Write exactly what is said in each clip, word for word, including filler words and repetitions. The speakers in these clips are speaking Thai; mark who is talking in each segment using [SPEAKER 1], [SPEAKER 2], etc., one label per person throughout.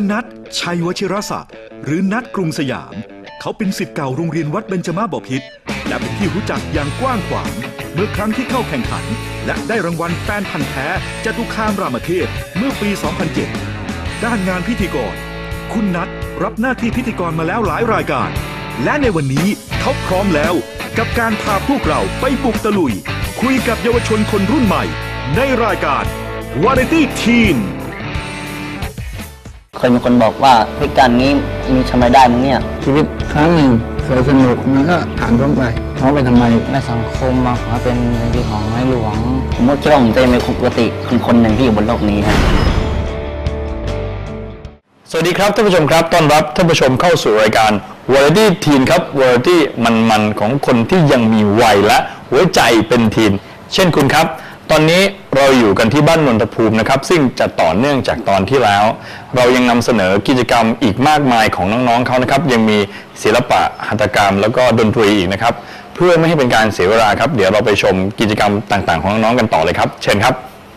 [SPEAKER 1] นัท ชัยวชิรศักดิ์หรือนัทกรุงสยามเขาเป็นศิษย์เก่าโรงเรียนวัดเบญจมาบพิตรและเป็นที่รู้จักอย่างกว้างขวางเมื่อครั้งที่เข้าแข่งขันและได้รางวัลแฟนพันธ์แท้จตุคามรามเทพเมื่อปี สองพันเจ็ด ด้านงานพิธีกรคุณนัทรับหน้าที่พิธีกรมาแล้วหลายรายการและในวันนี้เขาพร้อมแล้วกับการพาพวกเราไปบุกตะลุยคุยกับเยาวชนคนรุ่นใหม่ในรายการ Variety Teen
[SPEAKER 2] เคยมีคนบอกว่าพิการนี้มีทำไมได้มั้งเนี่ย
[SPEAKER 3] ชีวิตครั้งหนึ่งเคยสนุกมันก็ผ่านพ้นไปท้องไปทำไม
[SPEAKER 2] ในสังคมมาขอเป็นในที่ของในหลวงผมก็คิดว่าผมจะเป็นปกติคนคนหนึ่งที่อยู่บนโลกนี้ฮะ
[SPEAKER 4] สวัสดีครับท่านผู้ชมครับต้อนรับท่านผู้ชมเข้าสู่รายการ Variety Teen ครับ Variety มันๆของคนที่ยังมีวัยและหัวใจเป็นทีนเช่นคุณครับตอนนี้เราอยู่กันที่บ้านนนทภูมินะครับซึ่งจะต่อเนื่องจากตอนที่แล้วเรายังนำเสนอกิจกรรมอีกมากมายของน้องๆเขานะครับยังมีศิลปะหัตถกรรมแล้วก็ดนตรีอีกนะครับเพื่อไม่ให้เป็นการเสียเวลาครับเดี๋ยวเราไปชมกิจกรรมต่างๆของน้องๆกันต่อเลยครับเชิญครับ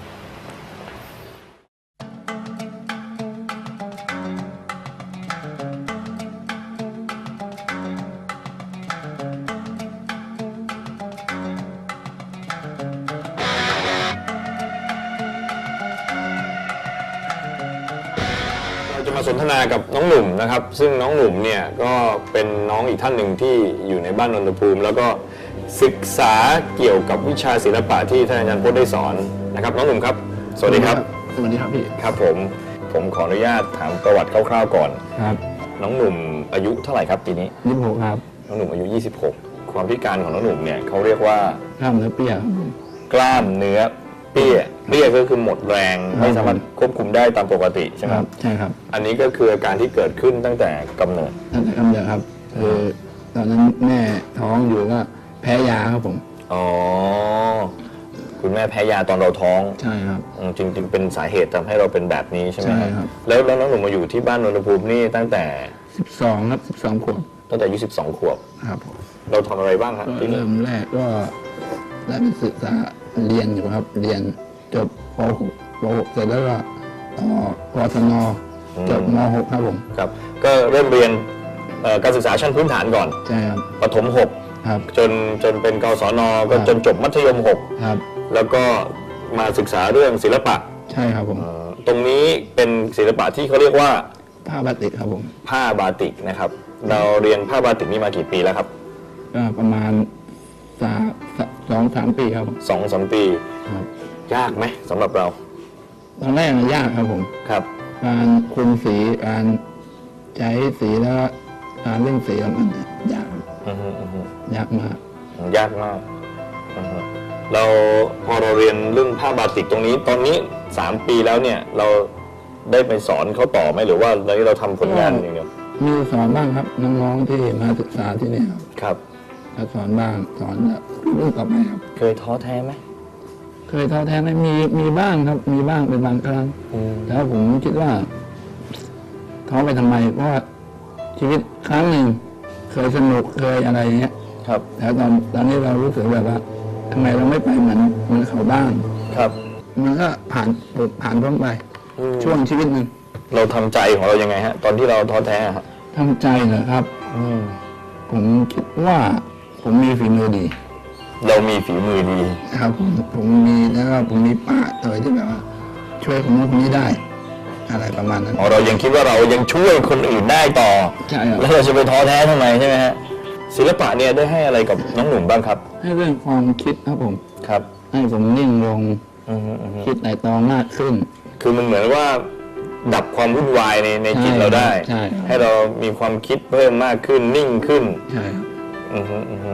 [SPEAKER 4] จะมาสนทนากับน้องหนุ่มนะครับซึ่งน้องหนุ่มเนี่ยก็เป็นน้องอีกท่านหนึ่งที่อยู่ในบ้านนนทภูมิแล้วก็ศึกษาเกี่ยวกับวิชาศิลปะที่ท่านอาจารย์พจน์ได้สอนนะครับน้องหนุ่มครับสวัสดีครับ
[SPEAKER 3] สวัสดีครับพี่
[SPEAKER 4] ครับผมผมขออนุญาตถามประวัติคร่าวๆก่อน
[SPEAKER 3] ครับ
[SPEAKER 4] น้องหนุ่มอายุเท่าไหร่ครับปีนี้
[SPEAKER 3] ยี่สิบหกครับ
[SPEAKER 4] น้องหนุ่มอายุยี่สิบหกความพิการของน้องหนุ่มเนี่ยเขาเรียกว่
[SPEAKER 3] ากล้ามเนื้อเปี้ย
[SPEAKER 4] กล้ามเนื้อเปี้ยเปี้ยก็คือหมดแรงไม่สามารถควบคุมได้ตามปกติใช่ไหมครับ
[SPEAKER 3] ใช่ครับ
[SPEAKER 4] อันนี้ก็คืออาการที่เกิดขึ้นตั้งแต่กำเนิด
[SPEAKER 3] ตั้งแต่กำเนิดครับคือตอนนั้นแม่ท้องอยู่ก็แพ้ยาครับผม
[SPEAKER 4] อ๋อคุณแม่แพ้ยาตอนเราท้อง
[SPEAKER 3] ใช่ครับ
[SPEAKER 4] จริงๆเป็นสาเหตุทำให้เราเป็นแบบนี้ใช่ไหม
[SPEAKER 3] ใช่ครับ
[SPEAKER 4] แล้วน้องหนุ่มมาอยู่ที่บ้านนนทภูมินี่ตั้งแต่
[SPEAKER 3] สิบสองครับสิบสองขวบ
[SPEAKER 4] ตั้งแต่อายุสิบสองขวบ
[SPEAKER 3] ครับผม
[SPEAKER 4] เราทำอะไรบ้างครับ
[SPEAKER 3] เริ่มแรกก็ได้ไปศึกษาเรียนอยู่ครับเรียนจบป .หก ป .หก เสร็จแล้วก็ต่อปทนจบม .หก ครับผม
[SPEAKER 4] ครับก็เริ่มเรียนการศึกษาชั้นพื้นฐานก่อน
[SPEAKER 3] ใช่ครับ
[SPEAKER 4] ประถมหก
[SPEAKER 3] ครับ
[SPEAKER 4] จนจนเป็นกศนก็จนจบมัธยมหก
[SPEAKER 3] ครับ
[SPEAKER 4] แล้วก็มาศึกษาเรื่องศิลปะ
[SPEAKER 3] ใช่ครับผม
[SPEAKER 4] ตรงนี้เป็นศิลปะที่เขาเรียกว่า
[SPEAKER 3] ผ้าบาติกครับผม
[SPEAKER 4] ผ้าบาติกนะครับเราเรียนผ้าบาติกนี่มากี่ปีแล้วครับ
[SPEAKER 3] ก็ประมาณสามสองสามปีครับ
[SPEAKER 4] สองสามปี
[SPEAKER 3] ครับ
[SPEAKER 4] ยากไหมสำหรับเรา
[SPEAKER 3] ตอนแรกยากครับผม
[SPEAKER 4] ครับ
[SPEAKER 3] การคุมสีการใช้สีแล้วการเล่นสีมันยากยากมาก
[SPEAKER 4] ยากมากเราพอเราเรียนเรื่องผ้าบาติกตรงนี้ตอนนี้สามปีแล้วเนี่ยเราได้ไปสอนเขาต่อไหมหรือว่าตอนนี้เราทำผลงานอย่างเดียว
[SPEAKER 3] มีสอนบ้างครับน้องๆที่มาศึกษาที่นี่
[SPEAKER 4] ครับ
[SPEAKER 3] ครับสอนบ้างสอนรุ่นต่อไปครับ
[SPEAKER 4] เคยท้อแท้ไหม
[SPEAKER 3] เคยท้อแท้ไหมมีมีบ้างครับมีบ้างเป็นบางครั้งแต่ผมคิดว่าท้อไปทำไมเพราะว่าชีวิตครั้งหนึ่งเคยสนุกเคยอะไรเงี้ย
[SPEAKER 4] ครับ
[SPEAKER 3] แล้วตอนตอนนี้เรารู้สึกแบบว่าทำไมเราไม่ไปเหมือนเหมือนเขาบ้าง
[SPEAKER 4] ครับ
[SPEAKER 3] มันก็ผ่านผ่านพ้นไปช่วงชีวิตหนึ่ง
[SPEAKER 4] เราทำใจของเรายังไงฮะตอนที่เราท้อแท้ครับ
[SPEAKER 3] ทำใจเหรอครับผมคิดว่าผมมีฝีมือดี
[SPEAKER 4] เรามีฝีมือดี
[SPEAKER 3] ครับผมผมมีแล้วก็ผมมีป้าเตยที่แบบว่าช่วยคนนู้นคนนี้ได้อะไรประมาณนั้น
[SPEAKER 4] อ๋อเรายังคิดว่าเรายังช่วยคนอื่นได้ต่อ
[SPEAKER 3] ใช่ครับ
[SPEAKER 4] แล้วเราจะไปท้อแท้ทำไมใช่ไหมฮะศิลปะเนี่ยได้ให้อะไรกับน้องหนุ่มบ้างครับ
[SPEAKER 3] ให้เรื่องความคิดครับผม
[SPEAKER 4] ครับ
[SPEAKER 3] ให้ผมนิ่งลงคิดไต่ตองมากขึ้น
[SPEAKER 4] คือมันเหมือนว่าดับความวุ่นวายในในจิตเราได้
[SPEAKER 3] ใช่
[SPEAKER 4] ให้เรามีความคิดเพิ่มมากขึ้นนิ่งขึ้น
[SPEAKER 3] ใช่ครับ
[SPEAKER 4] อือฮึอือฮึ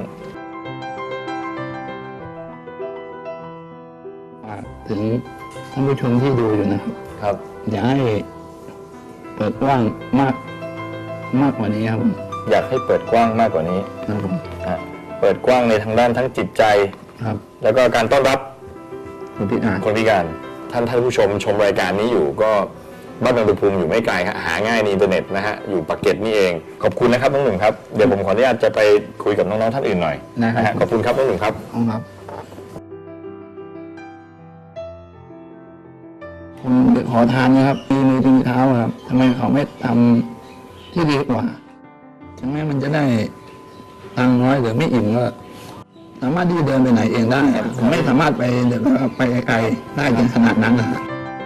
[SPEAKER 3] ถึงท่านผู้ชมที่ดูอยู่นะครับ
[SPEAKER 4] ครับ
[SPEAKER 3] อยากให้เปิดกว้างมากมากกว่านี้ครับผม
[SPEAKER 4] อยากให้เปิดกว้างมากกว่านี้
[SPEAKER 3] ครับผม
[SPEAKER 4] เปิดกว้างในทางด้านทั้งจิตใจ
[SPEAKER 3] ครับ
[SPEAKER 4] แล้วก็การต้อนรับ
[SPEAKER 3] คนพิการ
[SPEAKER 4] คนพิการท่านท่านผู้ชมชมรายการนี้อยู่ก็บ้านนนทภูมิอยู่ไม่ไกลครับหาง่ายในอินเทอร์เน็ตนะฮะอยู่ปากเกร็ดนี่เองขอบคุณนะครับน้องหนุ่มครับเดี๋ยวผมขออนุญาตจะไปคุยกับน้องๆท่านอื่นหน่อย
[SPEAKER 3] นะฮะ
[SPEAKER 4] ขอบคุณครับน้องหนุ่มครับ
[SPEAKER 3] ครับ ผคนขอทานนะครับมีมือมีเท้าครับทำไมเขาไม่ทำที่ดีกว่าถึงแม้มันจะได้ตังค์น้อยหรือไม่อิ่มก็สามารถที่จะเดินไปไหนเองได้ผมไม่สามารถไปเดินไปไกลๆได้ถึงขนาดนั้นนะครับ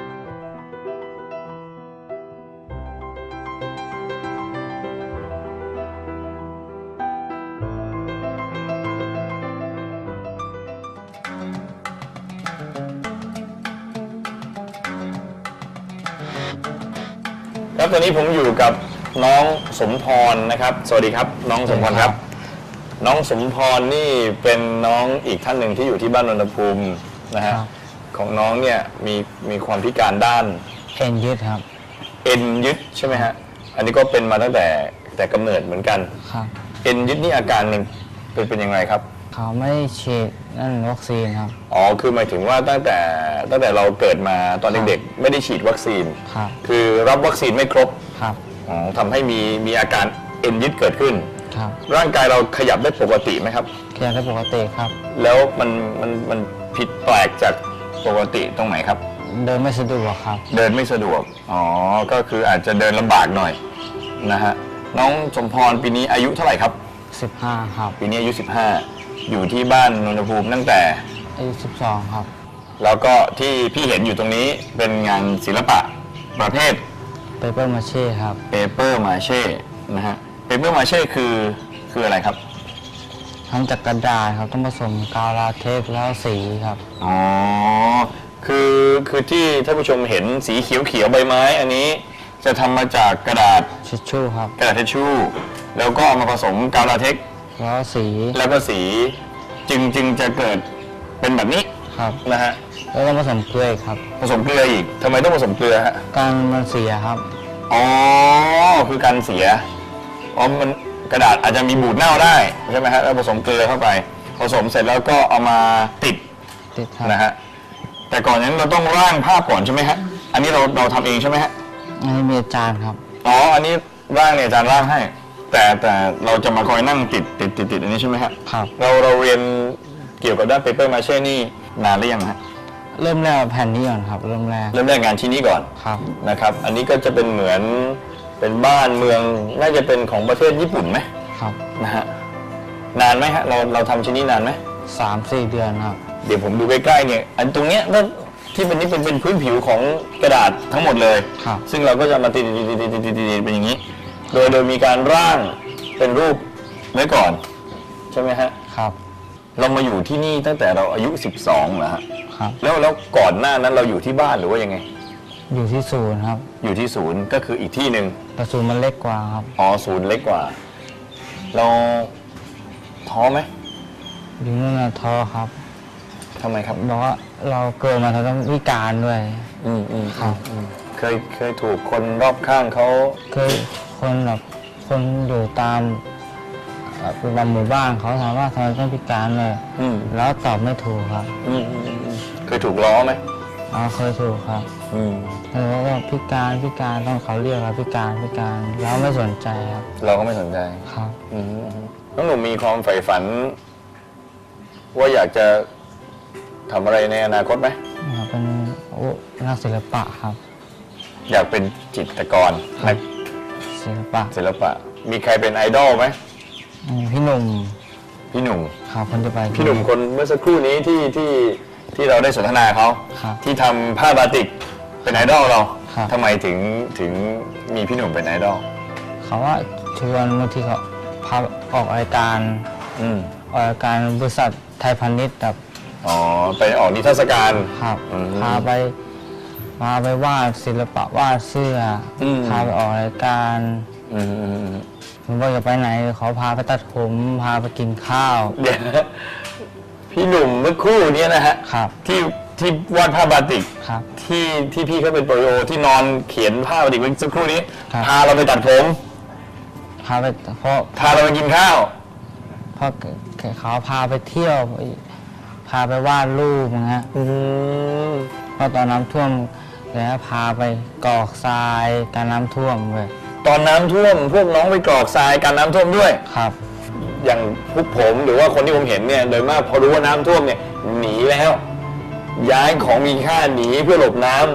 [SPEAKER 4] ครับตอนนี้ผมอยู่กับน้องสมพรนะครับ สวัสดีครับ น้องสมพรครับ น้องสมพรนี่เป็นน้องอีกท่านหนึ่งที่อยู่ที่บ้านนนทภูมินะฮะของน้องเนี่ยมีมีความพิการด้าน
[SPEAKER 2] เอ็นยืดครับ
[SPEAKER 4] เอ็นยึดใช่ไหมฮะอันนี้ก็เป็นมาตั้งแต่แต่กำเนิดเหมือนกัน
[SPEAKER 2] ครับ
[SPEAKER 4] เอ็นยึดนี่อาการหนึ่งเป็นเป็นยังไงครับ
[SPEAKER 2] เขาไม่ได้ฉีดนั่นวัคซีนครับ
[SPEAKER 4] อ๋อคือหมายถึงว่าตั้งแต่ตั้งแต่เราเกิดมาตอนเด็กๆไม่ได้ฉีดวัคซีน
[SPEAKER 2] ครับ
[SPEAKER 4] คือรับวัคซีนไม่ครบ
[SPEAKER 2] ครับ
[SPEAKER 4] อ๋อทำให้มีมีอาการเอ็นยึดเกิดขึ้น
[SPEAKER 2] ครับ
[SPEAKER 4] ร่างกายเราขยับได้ปกติไหมครับ
[SPEAKER 2] เคลียร์ได้ปกติครับ
[SPEAKER 4] แล้วมันมันมันผิดแปลกจากปกติตรงไหนครับ
[SPEAKER 2] เดินไม่สะดวกครับ
[SPEAKER 4] เดินไม่สะดวก อ๋อ ก็คืออาจจะเดินลำบากหน่อยนะฮะ น้องสมพรปีนี้อายุเท่าไหร่ครับ
[SPEAKER 2] สิบห้า ครับ
[SPEAKER 4] ปีนี้อายุสิบห้าอยู่ที่บ้านนนทภูมิตั้งแต่
[SPEAKER 2] อายุสิบสองครับ
[SPEAKER 4] แล้วก็ที่พี่เห็นอยู่ตรงนี้เป็นงานศิลปะประเภท
[SPEAKER 2] เปเปอร์มาเช่ครับ
[SPEAKER 4] เปเปอร์มาเช่นะฮะ เปเปอร์มาเช่คือคืออะไรครับ
[SPEAKER 2] ทำจากกระดาษครับต้องผสมกาวลาเทคแล้วสีครับ
[SPEAKER 4] อ๋อ คือคือที่ท่านผู้ชมเห็นสีเขียวเขียวๆใบไม้ อันนี้จะทำมาจากกระดาษ
[SPEAKER 2] ชิชชู่ครับ
[SPEAKER 4] กระดาษทิชชู่แล้วก็เอามาผสมกาวลาเทคซ์
[SPEAKER 2] แล้วสี
[SPEAKER 4] แล้วก็สีจึงจึงจะเกิดเป็นแบบนี้
[SPEAKER 2] ครับ
[SPEAKER 4] นะฮะ
[SPEAKER 2] แล้วก็ผสมเกลืออีกครับ
[SPEAKER 4] ผสมเกลืออีกทำไมต้องผสมเกลือฮะ
[SPEAKER 2] การมันเสียครับ
[SPEAKER 4] อ๋อคือการเสียอ๋อมันกระดาษอาจจะมีบูดเน่าได้ใช่ไหมฮะแล้วผสมเกลือเข้าไป ผสมเสร็จแล้วก็เอามาติด
[SPEAKER 2] ติดครับ
[SPEAKER 4] นะฮะแต่ก่อนนั้นเราต้องร่างภาพก่อนใช่ไหมฮะอันนี้เราเราทำเองใช่ไหมฮะ
[SPEAKER 2] อันนี้มีอาจารย์ครับ
[SPEAKER 4] อ๋ออันนี้ร่างเนี่ยอาจารย์ร่างให้ แต่แต่เราจะมาคอยนั่งติดติดติดติดอันนี้ใช่ไหมฮะ
[SPEAKER 2] ครับ
[SPEAKER 4] เราเราเรียนเกี่ยวกับด้านเปเปอร์มาเช่นี่นานหรือยังฮะ
[SPEAKER 2] เริ่มแรกแผ่นนี้ก่อนครับ เริ่มแรก
[SPEAKER 4] เริ่มแรกงานชิ้นนี้ก่อน
[SPEAKER 2] ครับ
[SPEAKER 4] นะครับ อันนี้ก็จะเป็นเหมือนเป็นบ้านเมืองน่าจะเป็นของประเทศญี่ปุ่นไหม
[SPEAKER 2] ครับ
[SPEAKER 4] นะฮะนานไหมฮะเราเราทำชิ้นนี้นานไหม
[SPEAKER 2] สามสี่เดือนครับ
[SPEAKER 4] เดี๋ยวผมดูใกล้ๆเนี่ยอันตรงเนี้ยก็ที่เป็นนี่เป็นเป็นพื้นผิวของกระดาษทั้งหมดเลย
[SPEAKER 2] ครับ
[SPEAKER 4] ซึ่งเราก็จะมาติดติดติดติดติดติดติดเป็นอย่างนี้ โดยโดยมีการร่างเป็นรูปไว้ก่อนใช่ไหมฮะ
[SPEAKER 2] ครับ
[SPEAKER 4] เรามาอยู่ที่นี่ตั้งแต่เราอายุสิบสองเหรอฮะ
[SPEAKER 2] ครับ
[SPEAKER 4] แล้วแล้วก่อนหน้านั้นเราอยู่ที่บ้านหรือว่ายังไง
[SPEAKER 2] อยู่ที่ศูนย์ครับ
[SPEAKER 4] อยู่ที่ศูนย์ก็คืออีกที่หนึ่ง
[SPEAKER 2] แต่ศูนย์มันเล็กกว่าครับ
[SPEAKER 4] อ๋อศูนย์เล็กกว่า เราท้อไหม
[SPEAKER 2] อยู่นั่นนะท้อครับ
[SPEAKER 4] ทำไมครับ
[SPEAKER 2] บอกว่าเราเกิดมาเราต้องพิการด้วย
[SPEAKER 4] อืมอืม
[SPEAKER 2] ครับ
[SPEAKER 4] เคยเคยถูกคนรอบข้างเขา
[SPEAKER 2] เคยคนแบบคนอยู่ตามเอ่อเป็นบางหมู่บ้านเขาถามว่าทำไมต้องพิการเลย
[SPEAKER 4] อืม
[SPEAKER 2] แล้วตอบไม่ถูกครับ
[SPEAKER 4] อืมอืมอืมเคยถูกล้อไหม
[SPEAKER 2] อ๋อเคยถูกครับ
[SPEAKER 4] อืม
[SPEAKER 2] แล้วก็พิการพิการต้องเขาเรียกเราพิการพิการแล้วไม่สนใจครับ
[SPEAKER 4] เราก็ไม่สนใจ
[SPEAKER 2] ครับ
[SPEAKER 4] อืมอืมน้องหนุ่มมีความใฝ่ฝัน ว่าอยากจะทำอะไรในอนาคตไหม
[SPEAKER 2] เป็นโอ้นักศิลปะครับ
[SPEAKER 4] อยากเป็นจิตรกรนัก
[SPEAKER 2] ศิลปะ
[SPEAKER 4] ศิลปะ มีใครเป็นไอดอลไหม
[SPEAKER 2] อืมพี่หนุ่ม
[SPEAKER 4] พี่หนุ่ม
[SPEAKER 2] ครับคนจะไป
[SPEAKER 4] พี่หนุ่มคนเมื่อสักครู่นี้ที่ที่ที่เราได้สนทนาเขา
[SPEAKER 2] ครับ
[SPEAKER 4] ที่ทำผ้าบาติกเป็นไอดอลเรา
[SPEAKER 2] ครับ
[SPEAKER 4] ทำไมถึงถึงมีพี่หนุ่มเป็นไอดอล
[SPEAKER 2] เขาว่าชวนบางทีเขาพาออกรายการ
[SPEAKER 4] อืม
[SPEAKER 2] ออกรายการบริษัทไทยพาณิชย์แบบ
[SPEAKER 4] อ๋อไปออกนิทรรศการ
[SPEAKER 2] ครับ
[SPEAKER 4] อืม
[SPEAKER 2] พาไปพาไปวาดศิลปะวาดเสื้ออ
[SPEAKER 4] ม
[SPEAKER 2] พาไปออกรายการ
[SPEAKER 4] อืมอืมอืม
[SPEAKER 2] ผมว่าจะไปไหนเขาพาไปตัดผมพาไปกินข้าว
[SPEAKER 4] เดี๋ยวนะพี่หนุ่มเมื่อครู่เนี้นะฮะ
[SPEAKER 2] ครับ
[SPEAKER 4] ที่ที่วาดผ้าบาติก
[SPEAKER 2] ครับ
[SPEAKER 4] ที่ที่พี่เขาเป็นโปรโยที่นอนเขียนผ้าบาติกเมื่อสักครู่นี้
[SPEAKER 2] ครับ
[SPEAKER 4] พาเราไปตัดผม
[SPEAKER 2] พาไปเพราะ
[SPEAKER 4] พาเราไปกินข้าว
[SPEAKER 2] เพราะเขาพาไปเที่ยวพาไปวาดรูปนะฮะ
[SPEAKER 4] อืม
[SPEAKER 2] เพราะตอนน้ำท่วมแล้วพาไปกรอกทรายการน้ำท่วมเลย
[SPEAKER 4] ตอนน้ำท่วมพวกน้องไปกรอกทรายการน้ำท่วมด้วย
[SPEAKER 2] ครับ
[SPEAKER 4] อย่างพวกผมหรือว่าคนที่ผมเห็นเนี่ยโดยมากพอรู้ว่าน้ำท่วมเนี่ยหนีแล้ว ย้ายของมีค่าหนีเพื่อหลบน้ำ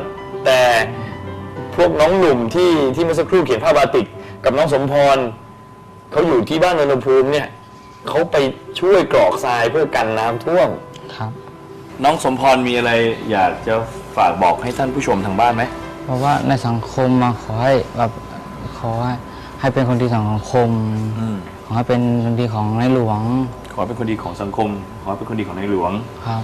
[SPEAKER 4] แต่พวกน้องหนุ่มที่ที่เมื่อสักครู่เขียนภาพบาติกกับน้องสมพรเขาอยู่ที่บ้านนนทภูมิเนี่ยเขาไปช่วยกรอกทรายเพื่อกันน้ำท่วม
[SPEAKER 2] ครับ
[SPEAKER 4] น้องสมพรมีอะไรอยากจะฝากบอกให้ท่านผู้ชมทางบ้านไหม
[SPEAKER 2] เพราะว่าในสังคมมาขอให้แบบขอให้ให้เป็นคนดีของสังคมขอให้เป็นคนดีของในหลวง
[SPEAKER 4] ขอให้เป็นคนดีของสังคมขอให้เป็นคนดีของในหลวง
[SPEAKER 2] ครับ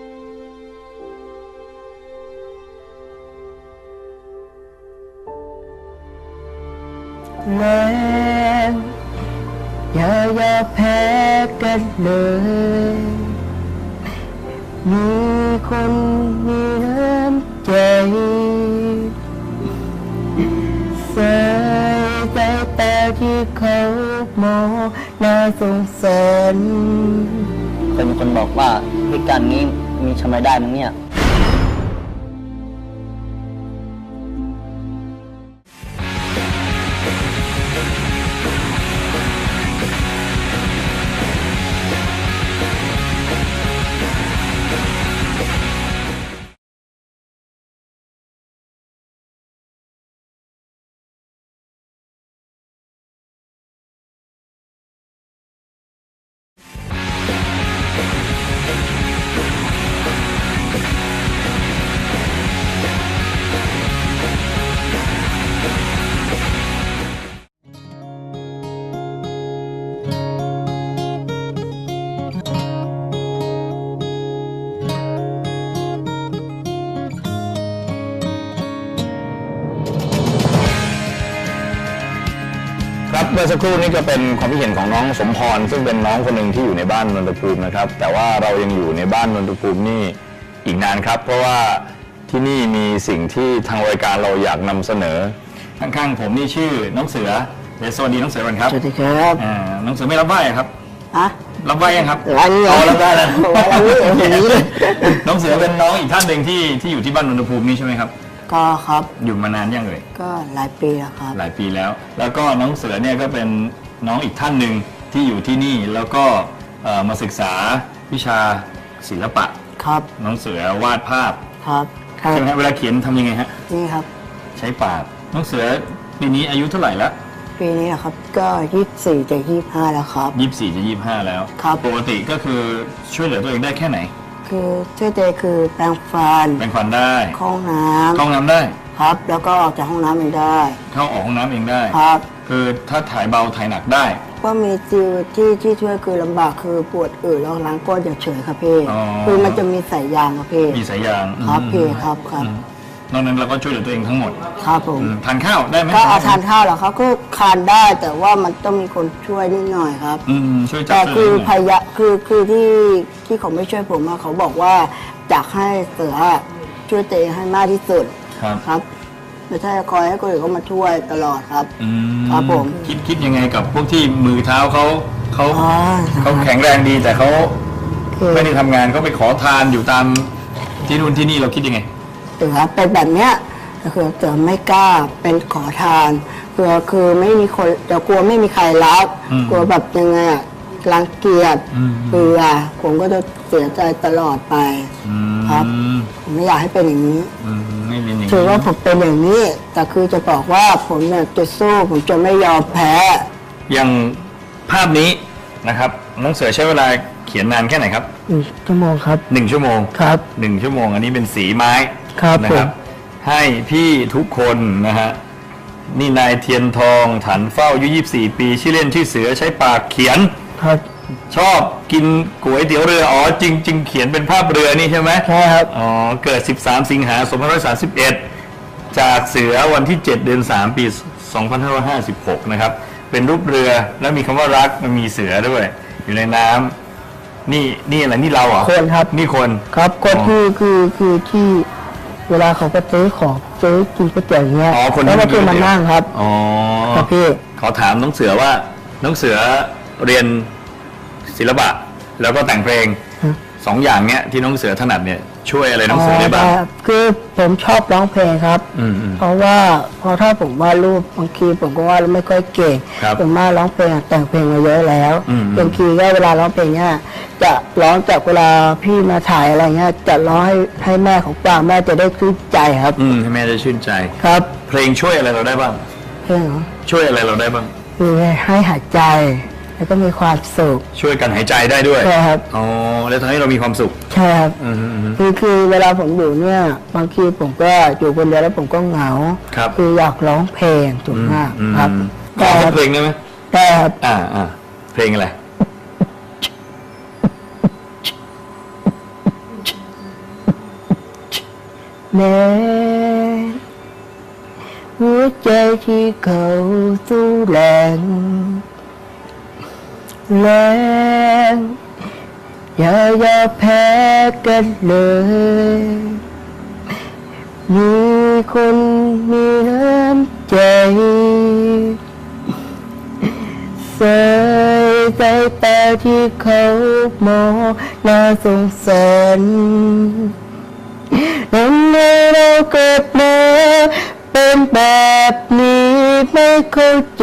[SPEAKER 5] แรงอย่าอย่าแพ้กันเลย มีคนมีน้ำใจใส่ใจตาที่เขามองน่าสงสาร
[SPEAKER 2] เคยมีคนบอกว่าพิการนี้มีทำไมได้มั้งเนี่ย
[SPEAKER 4] ครับเมื่อสักครู่นี้ก็เป็นความคิดเห็นของน้องสมพรซึ่งเป็นน้องคนหนึ่งที่อยู่ในบ้านนนทภูมินะครับแต่ว่าเรายังอยู่ในบ้านนนทภูมินี่อีกนานครับเพราะว่าที่นี่มีสิ่งที่ทางรายการเราอยากนำเสนอข้างๆผมนี่ชื่อน้องเสือเดี๋ยวสวัสดีน้องเสือก่อนครับ
[SPEAKER 5] สวัสดีครับ
[SPEAKER 4] อ่าน้องเสือไม่รับไหว้ครับ
[SPEAKER 5] อะ
[SPEAKER 4] รับไหว้ยังครับ
[SPEAKER 5] ร้านนี้
[SPEAKER 4] อ๋อรับได้แล้ว
[SPEAKER 5] ร้านนี้อย่างนี้เลย
[SPEAKER 4] น้องเสือเป็นน้องอีกท่านหนึ่งที่ที่อยู่ที่บ้านนนทภูมินี่ใช่ไหมครับ
[SPEAKER 5] ก็ครับ
[SPEAKER 4] อยู่มานานยังเอ่ย
[SPEAKER 5] ก็หลายปีแล้วครับ
[SPEAKER 4] หลายปีแล้ว แล้วก็น้องเสือเนี่ยก็เป็นน้องอีกท่านหนึ่งที่อยู่ที่นี่แล้วก็เอ่อมาศึกษาวิชาศิลปะ
[SPEAKER 5] ครับ
[SPEAKER 4] น้องเสือวาดภาพ
[SPEAKER 5] ครับครับ
[SPEAKER 4] ใช่ไหมฮะเวลาเขียนทำยังไงฮะ
[SPEAKER 5] นี่ครับ
[SPEAKER 4] ใช้ปากน้องเสือปีนี้อายุเท่าไหร่ละ
[SPEAKER 5] ปีนี้นะครับ ก็ยี่สิบสี่จะยี่สิบห้าแล้วครับ
[SPEAKER 4] ยี่สิบสี่จะยี่สิบห้าแล้ว
[SPEAKER 5] ครับ
[SPEAKER 4] ปกติก็คือช่วยเหลือตัวเองได้แค่ไหน
[SPEAKER 5] คือช่วยเจคือแปรงฟัน
[SPEAKER 4] แปรงฟันได้
[SPEAKER 5] เข้าห้องน้
[SPEAKER 4] เข้าห้องน้ำได้
[SPEAKER 5] ำครับ แล้วก็ออกจากห้องน้ำเองได้
[SPEAKER 4] เข้าออกห้องน้ำเองได้
[SPEAKER 5] ครับ
[SPEAKER 4] คือถ้าถ่ายเบาถ่ายหนักได้
[SPEAKER 5] ก็มีจิวที่ที่ช่วยคือลำบากคือปวดอืดแล้วล้างก้นเฉยๆครับพี่
[SPEAKER 4] อ๋อ
[SPEAKER 5] คือมันจะมีสายยางครับพี่
[SPEAKER 4] มีสายยาง
[SPEAKER 5] ครับ
[SPEAKER 4] อืม
[SPEAKER 5] พี่ครับครับ
[SPEAKER 4] อืมนอกนั้นเราก็ช่วยเหลือตัวเองทั้งหมด
[SPEAKER 5] ครับผม
[SPEAKER 4] อืมทานข้าวได้ไหม
[SPEAKER 5] ก็เอาทานข้าวเหรอครับก็ทานได้แต่ว่ามันต้องมีคนช่วยนิดหน่อยครับ
[SPEAKER 4] อืมช่วยจับ
[SPEAKER 5] แต่
[SPEAKER 4] ช่วย
[SPEAKER 5] คือ
[SPEAKER 4] เหลือ
[SPEAKER 5] พยะคือคือที่ที่เขาไม่ช่วยผมอะเขาบอกว่าอยากให้เสือช่วยตัวเองให้มากที่สุด
[SPEAKER 4] ครับ
[SPEAKER 5] ครับไม่ใช่คอยให้คนอื่นเขามาช่วยตลอดครับ
[SPEAKER 4] อืม
[SPEAKER 5] ครับผม
[SPEAKER 4] คิดคิดยังไงกับพวกที่มือเท้าเขาเขา
[SPEAKER 5] อ๋อ
[SPEAKER 4] เขาแข็งแรงดีแต่เขา
[SPEAKER 5] คือ
[SPEAKER 4] ไม่ได้ทำงานเขาไปขอทานอยู่ตามที่นู่นที่นี่เราคิดยังไง
[SPEAKER 5] เสือเป็นแบบเนี้ยก็คือเสือไม่กล้าเป็นขอทานคือคือไม่มีคนจะกลัวไม่มีใครรัก
[SPEAKER 4] อืม
[SPEAKER 5] กลัวแบบยังไงอะรังเกียจ
[SPEAKER 4] อืม
[SPEAKER 5] เบื่อผมก็จะเสียใจตลอดไป
[SPEAKER 4] อืม
[SPEAKER 5] ครับ ผมไม่อยากให้เป็นอย่างนี้
[SPEAKER 4] อืมไม่เป็นอย่าง
[SPEAKER 5] ถือว่า
[SPEAKER 4] นี้
[SPEAKER 5] ผมเป็นอย่างนี้ แต่คือจะบอกว่าผมเนี่ยจะสู้ผมจะไม่ยอมแพ้
[SPEAKER 4] อย่างภาพนี้นะครับน้องเสือใช้เวลาเขียนนานแค่ไหนครับ
[SPEAKER 5] หนึ่งชั่วโมงครับ
[SPEAKER 4] หนึ่งชั่วโมง
[SPEAKER 5] ครับ
[SPEAKER 4] หนึ่งชั่วโมง อันนี้เป็นสีไม้
[SPEAKER 5] ครับ
[SPEAKER 4] นะ
[SPEAKER 5] ผม
[SPEAKER 4] ให้พี่ทุกคนนะฮะนี่นายเทียนทองถันเฝ้าอายุยี่สิบสี่ปีชื่อเล่นชื่อเสือใช้ปากเขียน
[SPEAKER 5] ครับ
[SPEAKER 4] ชอบกินก๋วยเตี๋ยวเรืออ๋อจริงจริงเขียนเป็นภาพเรือนี่ใช่ไหม
[SPEAKER 5] ใช่ครับ
[SPEAKER 4] อ๋อเกิดสิบสามสิงหาสองพันห้าร้อยสามสิบเอ็ดจากเสือวันที่เจ็ดเดือนสามปีสองพันห้าร้อยห้าสิบหกนะครับเป็นรูปเรือแล้วมีคำว่ารักมันมีเสือด้วย อยู่ในน้ำนี่นี่อะไรนี่เราเหรอ
[SPEAKER 5] คนครับ
[SPEAKER 4] นี่คน
[SPEAKER 5] ครับก็
[SPEAKER 4] อ๋อ
[SPEAKER 5] คือคือคือที่เวลาเขาก็ซื้อของซื้อกินก๋วยเตี๋ยวอย่างเงี้ย
[SPEAKER 4] อ๋อคน
[SPEAKER 5] แล้วก็
[SPEAKER 4] ที่
[SPEAKER 5] คือมานั่งครับ
[SPEAKER 4] อ๋อ
[SPEAKER 5] ครับพี่
[SPEAKER 4] ขอถามน้องเสือว่าน้องเสือเรียนศิลปะ แล้วก็แต่งเพลง
[SPEAKER 5] ฮะ
[SPEAKER 4] สองอย่างเนี้ยที่น้องเสือถนัดเนี่ยช่วยอะไรน้องเสือได้บ้าง
[SPEAKER 5] อ๋อคือผมชอบร้องเพลงครับ
[SPEAKER 4] อืมอืม
[SPEAKER 5] เพราะว่าพอถ้าผมวาดรูปบางทีผมก็วาดไม่ค่อยเก่ง
[SPEAKER 4] ครับ
[SPEAKER 5] ผมมาร้องเพลงแต่งเพลงมาเยอะแล้ว
[SPEAKER 4] อืม
[SPEAKER 5] บางทีก็เวลาร้องเพลงเนี่ยจะร้องจากเวลาพี่มาถ่ายอะไรเงี้ยจะร้องให้ให้แม่ของฟังแม่จะได้ชื่นใจครับ
[SPEAKER 4] อืมให้แม่ได้ชื่นใจ
[SPEAKER 5] ครับ
[SPEAKER 4] เพลงช่วยอะไรเราได้บ้าง
[SPEAKER 5] เพลงเหรอ
[SPEAKER 4] ช่วยอะไรเราได้บ้าง
[SPEAKER 5] คือให้หายใจแล้วก็มีความสุข
[SPEAKER 4] ช่วยกันหายใจได้ด้วย
[SPEAKER 5] ใช่ครับ
[SPEAKER 4] อ๋อแล้วทำให้เรามีความสุข
[SPEAKER 5] ใช่ครับ
[SPEAKER 4] อืมอืมอืม
[SPEAKER 5] คือคือเวลาผมอยู่เนี่ยบางทีผมก็อยู่คนเดียวแล้วผมก็เหงา
[SPEAKER 4] ครับ
[SPEAKER 5] คืออยากร้องเพลงถูกมาก
[SPEAKER 4] อืม
[SPEAKER 5] ครับ
[SPEAKER 4] ขอสักเพลงได้ไหม
[SPEAKER 5] แต่ครับ
[SPEAKER 4] อ่าอ่าเพลงอะไร
[SPEAKER 5] แม้หัวใจที่เขาสู้แรงแรงอย่าอย่าแพ้กันเลย มีคนมีน้ำใจใส่ใจตาที่เขามองน่าสงสารทำไมเราเกิดมาเป็นแบบนี้ไม่เข้าใจ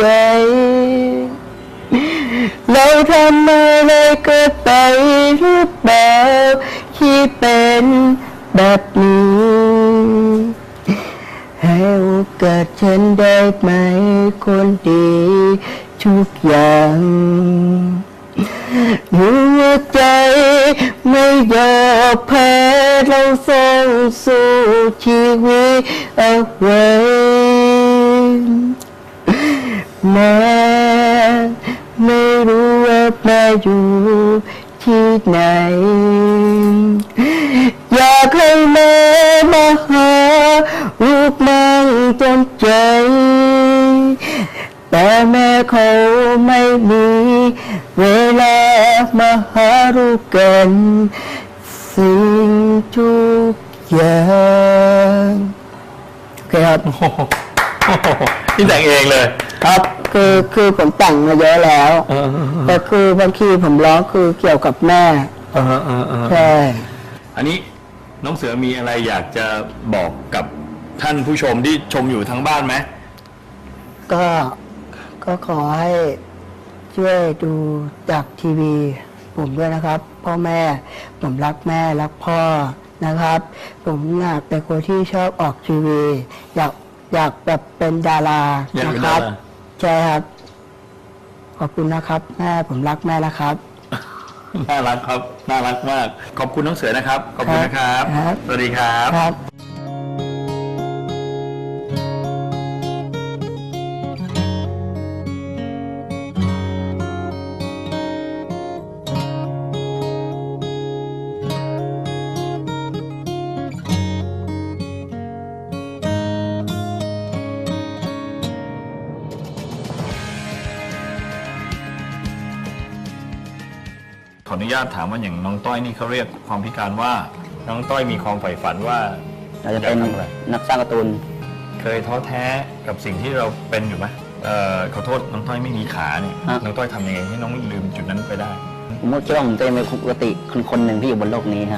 [SPEAKER 5] เราทำอะไรเกิดไปหรือเปล่าที่เป็นแบบนี้ ให้โอกาสฉันได้ไหมคนดีทุกอย่างหัวใจไม่ยอมแพ้เราส่งสู้ชีวิตเอาไว้แม้ไม่รู้ว่าแม่อยู่ที่ไหน อยากให้แม่มาหาลูกนั่งจนใจ แต่แม่เขาไม่มีเวลามาหาลูกกันสิ่งทุกอย่างโอเคครับ
[SPEAKER 4] โอ้โหนี่แต่งเองเลย
[SPEAKER 5] ครับคือคือผมแต่งมาเยอะแล้ว
[SPEAKER 4] เออเออเออ
[SPEAKER 5] แต่คือบางทีผมร้องคือเกี่ยวกับแม่
[SPEAKER 4] เออเออเออ
[SPEAKER 5] ใช่
[SPEAKER 4] อันนี้น้องเสือมีอะไรอยากจะบอกกับท่านผู้ชมที่ชมอยู่ทั้งบ้านไหม
[SPEAKER 5] ก็ก็ขอให้ช่วยดูจากทีวีผมด้วยนะครับ พ่อแม่ผมรักแม่รักพ่อนะครับ ผมอยากเป็นคนที่ชอบออกทีวี อยากอยากแบบเป็นดารา
[SPEAKER 4] อยาก
[SPEAKER 5] นะ
[SPEAKER 4] เป็น
[SPEAKER 5] ค
[SPEAKER 4] ดา
[SPEAKER 5] รับ
[SPEAKER 4] รา
[SPEAKER 5] ใช่ครับ ขอบคุณนะครับ แม่ผมรักแม่นะครับ
[SPEAKER 4] น่ารักครับ น่ารักมาก ขอบคุณน้องเสือนะครับ ขอบคุณนะครับ
[SPEAKER 5] ครับ
[SPEAKER 4] สวัสดีครับ
[SPEAKER 5] ครับ
[SPEAKER 4] ขออนุญาตถามว่าอย่างน้องต้อยนี่เขาเรียกความพิการว่า น้องต้อยมีความใฝ่ฝันว่า
[SPEAKER 2] เราจะเป็น
[SPEAKER 4] อยกทำอะไร
[SPEAKER 2] นักสร้างการ์ตูน
[SPEAKER 4] เคยท้อแท้กับสิ่งที่เราเป็นอยู่ไหมเอ่อขอโทษน้องต้อยไม่มีขาเนี่ย
[SPEAKER 2] ฮะ
[SPEAKER 4] น้องต้อยทำยังไงให้น้องลืมจุดนั้นไปได้
[SPEAKER 2] ผมก็คิดว่าผมจะเป็นปกติคนคนหนึ่งที่อยู่บนโลกนี้ฮะ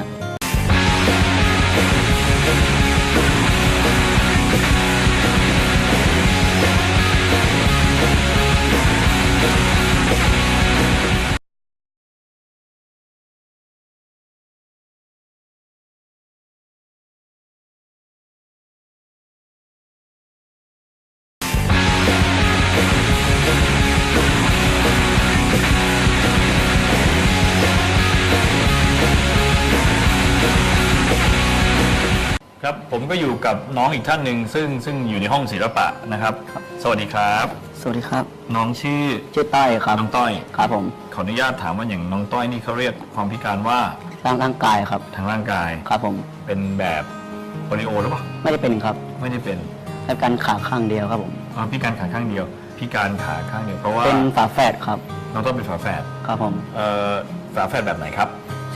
[SPEAKER 4] ครับผมก็อยู่กับน้องอีกท่านหนึ่งซึ่งซึ่งอยู่ในห้องศิลปะนะครับ สวัสดีครับ
[SPEAKER 2] สวัสดีครับ
[SPEAKER 4] น้องชื่อ
[SPEAKER 2] ชื่อต้อยครับ
[SPEAKER 4] น้องต้อย
[SPEAKER 2] ครับผม
[SPEAKER 4] ขออนุญาตถามว่าอย่างน้องต้อยนี่เขาเรียกความพิการว่า
[SPEAKER 2] สร้างร่างกายครับ
[SPEAKER 4] ทางร่างกาย
[SPEAKER 2] ครับผม
[SPEAKER 4] เป็นแบบโปลิโอหรือเปล่า
[SPEAKER 2] ไม่ได้เป็นครับ
[SPEAKER 4] ไม่ได้เป็น
[SPEAKER 2] แค่การขาข้างเดียวครับผม
[SPEAKER 4] อ่าพิการขาข้างเดียว พิการขาข้างเดียวเพราะว่า
[SPEAKER 2] เป็นฝาแฝดครับ
[SPEAKER 4] น้องต้อยเป็นฝาแฝด
[SPEAKER 2] ครับผม
[SPEAKER 4] เอ่อฝาแฝดแบบไหนครับ
[SPEAKER 2] ช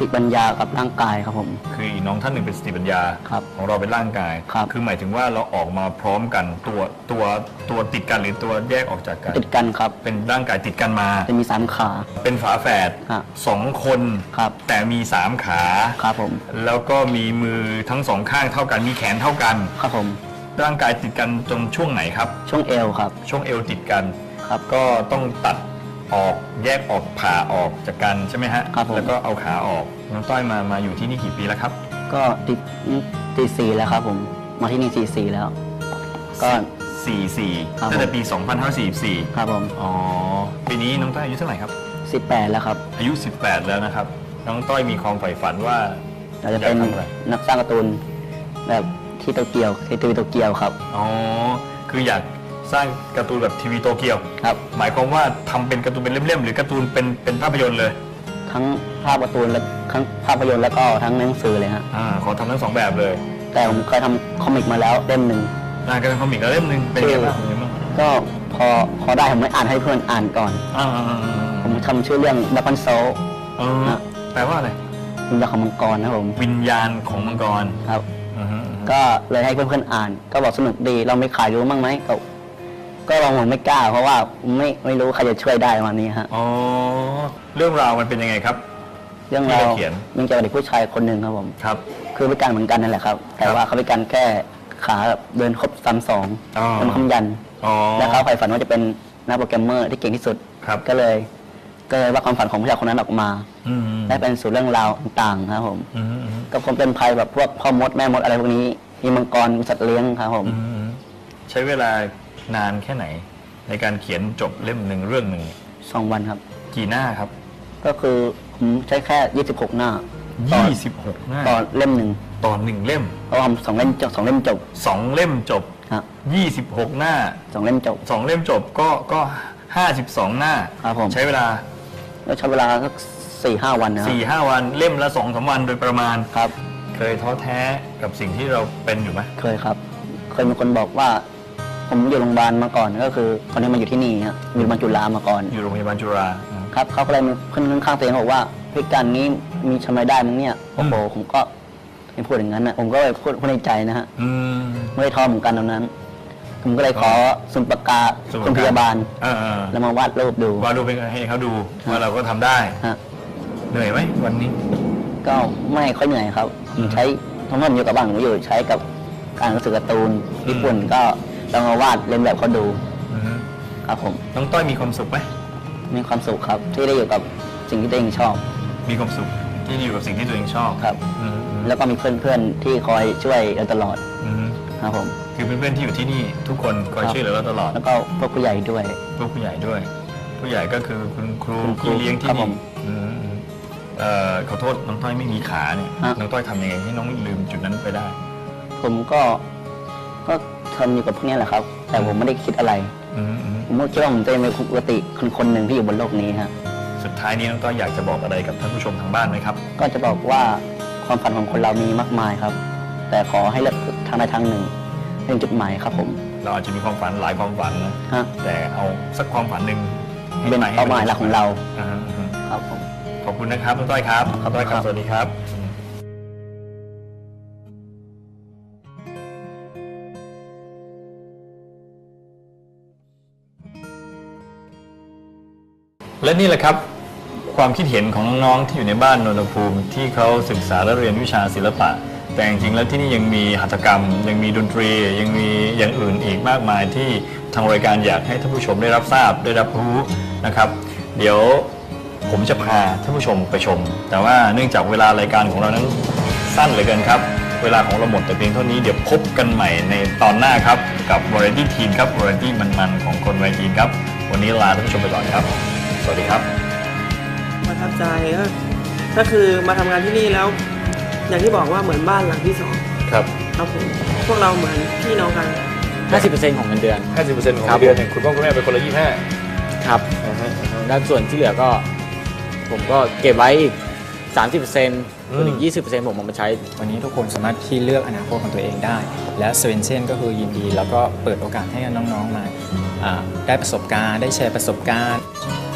[SPEAKER 2] ติปัญญากับร่างกายครับผม
[SPEAKER 4] คืออีกน้องท่านหนึ่งเป็นสติปัญญา
[SPEAKER 2] ครับ
[SPEAKER 4] ของเราเป็นร่างกาย
[SPEAKER 2] ครับ
[SPEAKER 4] คือหมายถึงว่าเราออกมาพร้อมกันตัวตัวตัวติดกันหรือตัวแยกออกจากกัน
[SPEAKER 2] ติดกันครับ
[SPEAKER 4] เป็นร่างกายติดกันมา
[SPEAKER 2] จะมีสามขา
[SPEAKER 4] เป็นฝาแฝด
[SPEAKER 2] ครับ
[SPEAKER 4] สองคน
[SPEAKER 2] ครับ
[SPEAKER 4] แต่มีสามขา
[SPEAKER 2] ครับผม
[SPEAKER 4] แล้วก็มีมือทั้งสองข้างเท่ากันมีแขนเท่ากัน
[SPEAKER 2] ครับผม
[SPEAKER 4] ร่างกายติดกันจนช่วงไหนครับ
[SPEAKER 2] ช่วงเอวครับ
[SPEAKER 4] ช่วงเอวติดกัน
[SPEAKER 2] ครับ
[SPEAKER 4] ก็ต้องตัดออกแยกออกผ่าออกจากกันใช่ไหมฮะ
[SPEAKER 2] ครับผม
[SPEAKER 4] แล้วก็เอาขาออกน้องต้อยมามาอยู่ที่นี่กี่ปีแล้วครับ
[SPEAKER 2] ก็ติดตีสี่แล้วครับผมมาที่นี่สี่สี่แล้ว ก็
[SPEAKER 4] สี่สี่
[SPEAKER 2] ครับ
[SPEAKER 4] ตั้งแต่
[SPEAKER 2] ผม
[SPEAKER 4] ปี สองพันห้าร้อยสี่สิบสี่
[SPEAKER 2] ครับผม
[SPEAKER 4] อ๋อปีนี้น้องต้อยอายุเท่าไหร่ครับ
[SPEAKER 2] สิบแปดแล้วครับ
[SPEAKER 4] อายุ สิบแปด แล้วนะครับ น้องต้อยมีความใฝ่ฝันว่า
[SPEAKER 2] เราจะเป็น
[SPEAKER 4] อยากทำอะไร
[SPEAKER 2] นักสร้างการ์ตูนแบบที่โตเกียวที่ทีวีโตเกียวครับ
[SPEAKER 4] อ๋อคืออยากสร้างการ์ตูนแบบทีวีโตเกียว
[SPEAKER 2] ครับ
[SPEAKER 4] หมายความว่าทำเป็นการ์ตูนเป็นเล่มๆหรือการ์ตูนเป็นเป็นภาพยนตร์เลย
[SPEAKER 2] ทั้งภาพการ์ตูนและทั้งภาพยนตร์แล้วก็ทั้งหนังสือเลยฮะ
[SPEAKER 4] อ่าขอทำทั้งสองแบบเลย
[SPEAKER 2] แต่ผมเคยทำคอมิกมาแล้วเล่มหนึ่ง
[SPEAKER 4] อ่าการทำคอมิกแล้วเล่มหนึ่งเป็นไงบ้างเป็นไงบ้าง
[SPEAKER 2] ก็พอพอได้ผมไม่อ่านให้เพื่อนอ่านก่อน
[SPEAKER 4] อ่า
[SPEAKER 2] ผมทำชื่อเรื่องดับเบิลโซ
[SPEAKER 4] เออแปลว่าอะไร
[SPEAKER 2] วิญญาณของมังกรนะครับผม
[SPEAKER 4] วิญญาณของมังกร
[SPEAKER 2] ครับ
[SPEAKER 4] อือฮึ
[SPEAKER 2] ก็เลยให้เพื่อนๆอ่าน ก็บอกสนุกดีเราไม่ขายรู้บ้างไหมก็ก็ลองผมไม่กล้า เพราะว่าไม่ไม่รู้ใครจะช่วยได้ประมาณนี้ฮะ
[SPEAKER 4] อ๋อเรื่องราวมันเป็นยังไงครับ
[SPEAKER 2] เรื่องราว
[SPEAKER 4] ที่เราเขียน
[SPEAKER 2] มันเกี่ยวกับเด็กผู้ชายคนหนึ่งครับผม
[SPEAKER 4] ครับ
[SPEAKER 2] คือพิการเหมือนกันนั่นแหละครับ แต่ว่าเขาพิการแค่ขาแบบเดินครบสามสอง
[SPEAKER 4] อ๋อ
[SPEAKER 2] เป็นคำยัน
[SPEAKER 4] อ๋อ
[SPEAKER 2] และเขาใฝ่ฝันว่าจะเป็นนักโปรแกรมเมอร์ที่เก่งที่สุด
[SPEAKER 4] ครับ
[SPEAKER 2] ก็เลยก็เลยว่าความฝันของผู้ชายคนนั้นออกมา
[SPEAKER 4] อืม
[SPEAKER 2] ได้เป็นสู่เรื่องราวต่างๆครับผม
[SPEAKER 4] อืมอืม
[SPEAKER 2] ก็คงเป็นภัยแบบพวกพ่อมดแม่มดอะไรพวกนี้ มีมังกรมีสัตว์เลี้ยงครับผม
[SPEAKER 4] อืมใช้เวลานานแค่ไหน ในการเขียนจบเล่มหนึ่งเรื่องหนึ่ง
[SPEAKER 2] สองวันครับ
[SPEAKER 4] กี่หน้าครับ
[SPEAKER 2] ก็คือผมใช้แค่ยี่สิบหกหน้าต่อ
[SPEAKER 4] ยี่สิบหกหน้า
[SPEAKER 2] ต่อเล่มหนึ่ง
[SPEAKER 4] ต่อหนึ่งเล่ม
[SPEAKER 2] เพราะว่าผมสองเล่มจบสองเล่มจบ
[SPEAKER 4] สองเล่มจบ
[SPEAKER 2] ครับ
[SPEAKER 4] ยี่สิบหกหน้า
[SPEAKER 2] สองเล่มจบ
[SPEAKER 4] สองเล่มจบก็ก็ห้าสิบสองหน้า
[SPEAKER 2] ครับผม
[SPEAKER 4] ใช้เวลา
[SPEAKER 2] ก็ใช้เวลาสักสี่ห้าวันนะครับ
[SPEAKER 4] สี่ห้าวันเล่มละสองสามวันโดยประมาณ
[SPEAKER 2] ครับ
[SPEAKER 4] เคยท้อแท้กับสิ่งที่เราเป็นอยู่ไหม
[SPEAKER 2] เคยครับ เคยมีคนบอกว่า ผมอยู่โรงพยาบาลมาก่อนก็คือตอนนี้มาอยู่ที่นี่ครับอยู่โรงพยาบาลจุฬามาก่อน
[SPEAKER 4] อยู่โรงพยาบาลจุฬาอืม
[SPEAKER 2] ครับเขาก็เลยมีเพื่อนข้างๆตัวเองบอกว่าพิการนี้มีทำอะไรได้มั้งเนี่ยโอ้โหผมก็ไม่พูดอย่างนั้นนะผมก็เลยพูดพูดในใจนะฮะ
[SPEAKER 4] อืม
[SPEAKER 2] ไม่ได้ท้อเหมือนกันตอนนั้น ผมก็เลยขอสมุดปากกา
[SPEAKER 4] สมุด
[SPEAKER 2] คุณ
[SPEAKER 4] ปากกา
[SPEAKER 2] พยาบาล
[SPEAKER 4] เออเออ
[SPEAKER 2] แล้วมาวาดรูปดู
[SPEAKER 4] วาดรูปให้เขาดูว่าเราก็ทำได้
[SPEAKER 2] ฮะ
[SPEAKER 4] เหนื่อยไหมวันนี้
[SPEAKER 2] ก็ไม่ค่อยเหนื่อยครับผมใช้ทั้งหมดอยู่กับบ้านผมอยู่ใช้กับการหนังสือการ์ตูนญี่ปุ่นก็ลองมาวาดเลียนแบบเขาดู
[SPEAKER 4] อืม
[SPEAKER 2] ครับผม
[SPEAKER 4] น้องต้อยมีความสุขไหม
[SPEAKER 2] มีความสุขครับที่ได้อยู่กับสิ่งที่ตัวเองชอบ
[SPEAKER 4] มีความสุขที่อยู่กับสิ่งที่ตัวเองชอบ
[SPEAKER 2] ครับ
[SPEAKER 4] อืมอืม
[SPEAKER 2] แล้วก็มีเพื่อนๆที่คอยช่วยเราตลอด
[SPEAKER 4] อืม
[SPEAKER 2] ครับผม
[SPEAKER 4] คือเพื่อนๆที่อยู่ที่นี่ทุกคนคอย
[SPEAKER 2] ครับ
[SPEAKER 4] ช่วยเหลือเราตลอด
[SPEAKER 2] แล้วก็พวกผู้ใหญ่ด้วย
[SPEAKER 4] พวกผู้ใหญ่ด้วย ผู้ใหญ่ก็คือคุณครู
[SPEAKER 2] คุณครู
[SPEAKER 4] พี่เลี้ยงที่
[SPEAKER 2] ครับผ
[SPEAKER 4] นี่
[SPEAKER 2] ม
[SPEAKER 4] อืมอืมเอ่อขอโทษน้องต้อยไม่มีขาเนี่ย
[SPEAKER 2] ฮะ
[SPEAKER 4] น้องต้อยทำยังไงให้น้องลืมจุดนั้นไปได้
[SPEAKER 2] ผมก็ก็ทนอยู่กับพวกนี้แหละครับ แต่ผมไม่ได้คิดอะไร
[SPEAKER 4] อืมอืม
[SPEAKER 2] ผมก็คิดว่าผมจะเป็นปกติคนคนหนึ่งที่อยู่บนโลกนี้ฮะ
[SPEAKER 4] สุดท้ายนี้น้องต้อยอยากจะบอกอะไรกับท่านผู้ชมทางบ้านไหมครับ
[SPEAKER 2] ก็จะบอกว่าความฝันของคนเรามีมากมายครับ แต่ขอให้เลือกทางใดทางหนึ่งเป็นจุดหมายครับผม
[SPEAKER 4] เราอาจจะมีความฝันหลายความฝันนะ
[SPEAKER 2] ฮะ
[SPEAKER 4] แต่เอาสักความฝันหนึ่งให้
[SPEAKER 2] เป็น
[SPEAKER 4] ไห
[SPEAKER 2] เป้าหมายหลักของเรา
[SPEAKER 4] อ่าฮะอ่าฮะ
[SPEAKER 2] ครับผม
[SPEAKER 4] ขอบคุณนะครับน้องต้อยครับน้องต้อยครับ
[SPEAKER 2] ครับ
[SPEAKER 4] สวัสดีครับ และนี่แหละครับ ความคิดเห็นของน้องๆที่อยู่ในบ้านนนทภูมิที่เขาศึกษาและเรียนวิชาศิลปะ แต่จริงๆแล้วที่นี่ยังมีหัตถกรรม ยังมีดนตรี ยังมีอย่างอื่นอีกมากมายที่ทางรายการอยากให้ท่านผู้ชมได้รับทราบได้รับรู้นะครับ เดี๋ยวผมจะพาท่านผู้ชมไปชม แต่ว่าเนื่องจากเวลารายการของเรานั้นสั้นเหลือเกินครับ เวลาของเราหมดแต่เพียงเท่านี้เดี๋ยวพบกันใหม่ในตอนหน้าครับกับ Variety Teen ครับ Variety มันๆของคนวัยทีนครับวันนี้ลาท่านผู้ชมไปก่อนครับ สวัสดีครับ
[SPEAKER 6] ประทับใจก็ก็คือมาทำงานที่นี่แล้ว อย่างที่บอกว่าเหมือนบ้านหลังที่สอง
[SPEAKER 4] ครับ
[SPEAKER 6] ครับผมพวกเราเหมือนพี่น้องกัน
[SPEAKER 7] ห้าสิบเปอร์เซ็นต์ ของเงินเดือน
[SPEAKER 4] ห้าสิบเปอร์เซ็นต์ ของ
[SPEAKER 7] ครับ
[SPEAKER 4] เดือนเนี่ยคุณพ่อคุณแม่เป็นคนละยี่สิบห้า
[SPEAKER 7] ครับด้านส่วนที่เหลือก็ ผมก็เก็บไว้อีก สามสิบเปอร์เซ็นต์ ส่วนอีก ยี่สิบเปอร์เซ็นต์ ผมเอามาใช้
[SPEAKER 8] วันนี้ทุกคนสามารถที่เลือกอนาคตของตัวเองได้ และเซเว่นเช่นก็คือยินดี แล้วก็เปิดโอกาสให้น้องๆมาอ่าได้ประสบการณ์ได้แชร์ประสบการณ์